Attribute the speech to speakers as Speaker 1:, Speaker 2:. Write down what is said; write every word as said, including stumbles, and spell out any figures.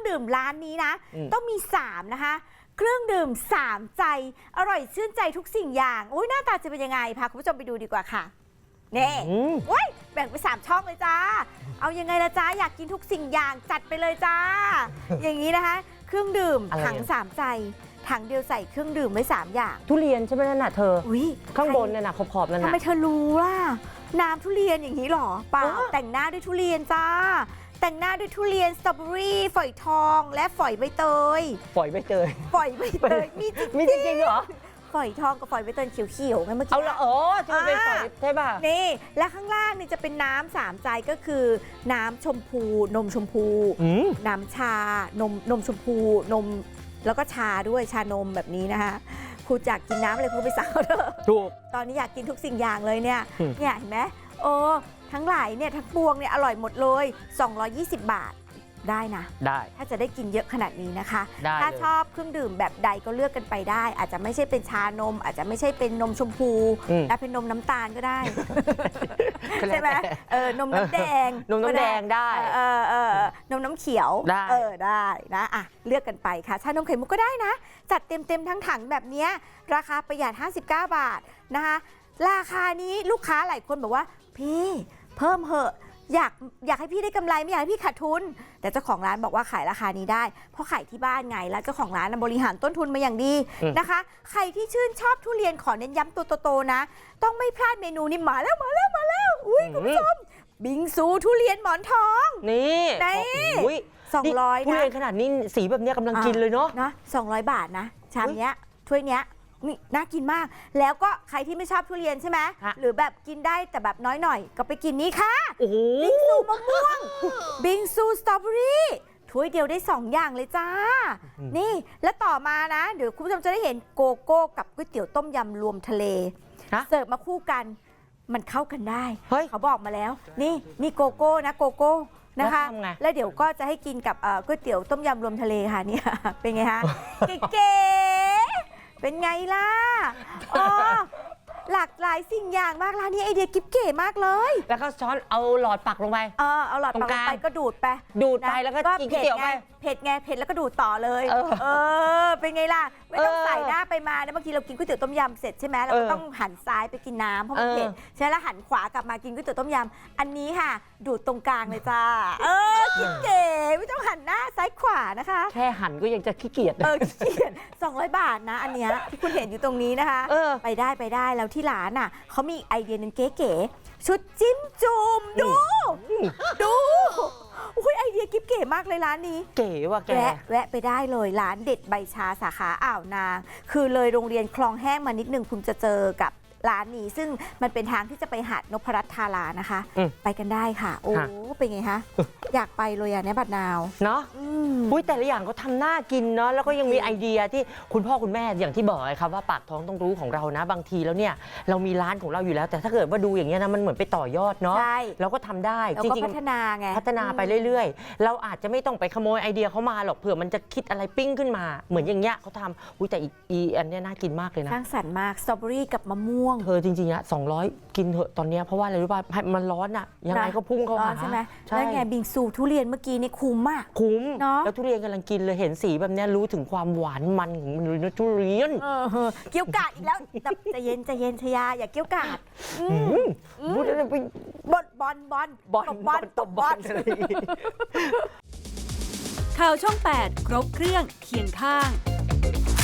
Speaker 1: ดื่มร้านนี้นะต้องมีสามนะคะเครื่องดื่มสามใจอร่อยชื่นใจทุกสิ่งอย่างอุ้ยหน้าตาจะเป็นยังไงพาคุณผู้ชมไปดูดีกว่าค่ะนี่โอ้ยแบ่งไปสามช่องเลยจ้าเอายังไงละจ้าอยากกินทุกสิ่งอย่างจัดไปเลยจ้า อย่างนี้นะคะเครื่องดื่มถังสามใจถังเดียวใส่เครื่องดื่มไว้สามอย่าง
Speaker 2: ทุเรียนใช่ไหมนั่นน่ะเธอข้างบนเนี่ยนะขอบๆนั่นน่ะ
Speaker 1: ทำไมเธอรู้ล่ะน้ำทุเรียนอย่างนี้หรอเปล่าแต่งหน้าด้วยทุเรียนจ้าแต่งหน้าด้วยทุเรียนสตรอเบอรี่ฝอยทองและฝอยใบเตย
Speaker 2: ฝอยใบเตย
Speaker 1: ฝอยใบเตยมีจริง
Speaker 2: มีจริงเหรอ
Speaker 1: ฝอยทองกับฝอยใบเตยเขียวๆไงเมื่อกี้
Speaker 2: เอาละอ๋อจะเป็นฝอยใช่ป่ะ
Speaker 1: นี่และข้างล่างนี่จะเป็นน้ำสามใจก็คือน้ำชมพูนมชมพูน้ำชานมนมชมพูนมแล้วก็ชาด้วยชานมแบบนี้นะคะคุณอยากกินน้ำอะไรคุณไปสั่งเถอะ
Speaker 2: ถูก
Speaker 1: ตอนนี้อยากกินทุกสิ่งอย่างเลยเนี่ยเนี่ยเห็นไหมโอ้ทั้งหลายเนี่ยทั้งปวงเนี่ยอร่อยหมดเลยสองร้อยยี่สิบบาทได้นะ
Speaker 2: ได้
Speaker 1: ถ้าจะได้กินเยอะขนาดนี้นะคะ
Speaker 2: ถ้
Speaker 1: าชอบเครื่องดื่มแบบใดก็เลือกกันไปได้อาจจะไม่ใช่เป็นชานมอาจจะไม่ใช่เป็นนมชมพูแต่เป็นนมน้ำตาลก็ได้ใช่ไหมเออนมน้ำแดง
Speaker 2: นมน้ำแดงได้
Speaker 1: เออเออนมน้ำเขียว
Speaker 2: ได้
Speaker 1: เออได้นะอ่ะเลือกกันไปค่ะชานมไข่มุกก็ได้นะจัดเต็มเต็มทั้งถังแบบนี้ราคาประหยัดห้าสิบเก้าบาทนะคะราคานี้ลูกค้าหลายคนบอกว่าพี่เพิ่มเหอะอยากอยากให้พี่ได้กำไรไม่อยากให้พี่ขาดทุนแต่เจ้าของร้านบอกว่าขายราคานี้ได้เพราะขายที่บ้านไงแล้วเจ้าของร้านบริหารต้นทุนมาอย่างดีนะคะใครที่ชื่นชอบทุเรียนขอเน้นย้ำตัวโตๆนะต้องไม่พลาดเมนูนี้มาแล้วมาแล้วมาแล้วอุ้ยคุณผู้ชมบิงซูทุเรียนหมอนทอง
Speaker 2: นี่
Speaker 1: นี่สองร้อยนะ
Speaker 2: ทุเรียนขนาดนี้สีแบบนี้กำลังกินเลยเนาะ
Speaker 1: นะสองร้อยบาทนะชามเนี้ยถ้วยเนี้ยนี่น่ากินมากแล้วก็ใครที่ไม่ชอบทุเรียนใช่ไหมหรือแบบกินได้แต่แบบน้อยหน่อยก็ไปกินนี้ค่ะบิงซูมะม่วงบิงซูสตรอเบอรี่ถ้วยเดียวได้สองอย่างเลยจ้านี่แล้วต่อมานะเดี๋ยวคุณผู้ชมจะได้เห็นโกโก้กับก๋วยเตี๋ยวต้มยำรวมทะเลเสิร์ฟมาคู่กันมันเข้ากันได้เขาบอกมาแล้วนี่นี่โกโก้นะโกโก้นะคะแล้วเดี๋ยวก็จะให้กินกับก๋วยเตี๋ยวต้มยำรวมทะเลค่ะเนี่ยเป็นไงฮะเก๋เป็นไงล่ะอ๋อหลากหลายสิ่งอย่างมากร้านนี้ไอเดียกิ๊บเก๋มากเลย
Speaker 2: แล้วก็ช้อนเอาหลอดปักลงไป
Speaker 1: เออเอาหลอดปักลงไปก็ดูดไป
Speaker 2: ดูดไปแล้วก็กินก๋วยเตี๋ยวไป
Speaker 1: เผ็ดไงเผ็ดแล้วก็ดูดต่อเลยเออเป็นไงล่ะไม่ต้องใส่หน้าไปมานะบางทีเรากินก๋วยเตี๋ยวต้มยำเสร็จใช่ไหมเราก็ต้องหันซ้ายไปกินน้ำเพราะมันเผ็ดใช่แล้วหันขวากลับมากินก๋วยเตี๋ยวต้มยำอันนี้ค่ะดูดตรงกลางเลยจ้าเออกิ๊บเก๋ไม่ต้องหันหน้าซ้ายขวานะคะ
Speaker 2: แค่หันก็ยังจะขี้เกียจ
Speaker 1: เออขี้เกียจสองร้อยบาทนะอันเนี้ยที่คุณเห็นอยู่ตรงนี้นะคะไปได้ไปได้แล้วที่ร้านน่ะเขามีไอเดียนึงเก๋ๆชุดจิ้มจุ่มดูดูอุ้ยไอเดียกิ๊บเก๋มากเลยร้านนี้
Speaker 2: เก๋ว่ะแก
Speaker 1: แวะแวะไปได้เลยร้านเด็ดใบชาสาขาอ่าวนางคือเลยโรงเรียนคลองแห้งมานิดนึงคุณจะเจอกับร้านนี้ซึ่งมันเป็นทางที่จะไปหาดนพรัตน์ธารานะคะไปกันได้ค่ะโอ้เป็นไงคะอยากไปเลยอ่ะเนี่ยบัดนาว
Speaker 2: เนาะอุ้ยแต่ละอย่างก็ทำน่ากินเนาะแล้วก็ยังมีไอเดียที่คุณพ่อคุณแม่อย่างที่บอกครับว่าปากท้องต้องรู้ของเรานะบางทีแล้วเนี่ยเรามีร้านของเราอยู่แล้วแต่ถ้าเกิดว่าดูอย่างเงี้ยนะมันเหมือนไปต่อยอดเนาะเราก็ทำได้
Speaker 1: จริงๆพัฒนาไง
Speaker 2: พัฒนาไปเรื่อยๆเราอาจจะไม่ต้องไปขโมยไอเดียเขามาหรอกเผื่อมันจะคิดอะไรปิ้งขึ้นมาเหมือนอย่างเงี้ยเขาทำอุ้ยแต่อีอันเนี้ยน่ากินมากเลยนะ
Speaker 1: สร้างสรรค์มากสตรอเบอรี่กับมะม่วง
Speaker 2: เธอจริงๆอะสองร้อยกินเถอะตอนนี้เพราะว่าอะไรรู้ป่ะมันร้อนอะยังไงก็พุ่งเข้าหา
Speaker 1: ใช่ไหมแล้วไงบิงซูทุเรียนเมื่อกี้นี่คุ้มมาก
Speaker 2: คุ้มแล้วทุเรียนกำลังกินเลยเห็นสีแบบนี้รู้ถึงความหวานมันของมันเลยนะทุเรียน
Speaker 1: เกี้ยวกาดอีกแล้วใจเย็นใจเย็นชยาอย่าเกี้ยวกาด
Speaker 2: พูดอะไรไป
Speaker 1: บอลบอลบอล
Speaker 2: บอลบอลตบบอล
Speaker 3: ข่าวช่องแปดครบเครื่องเคียงข้าง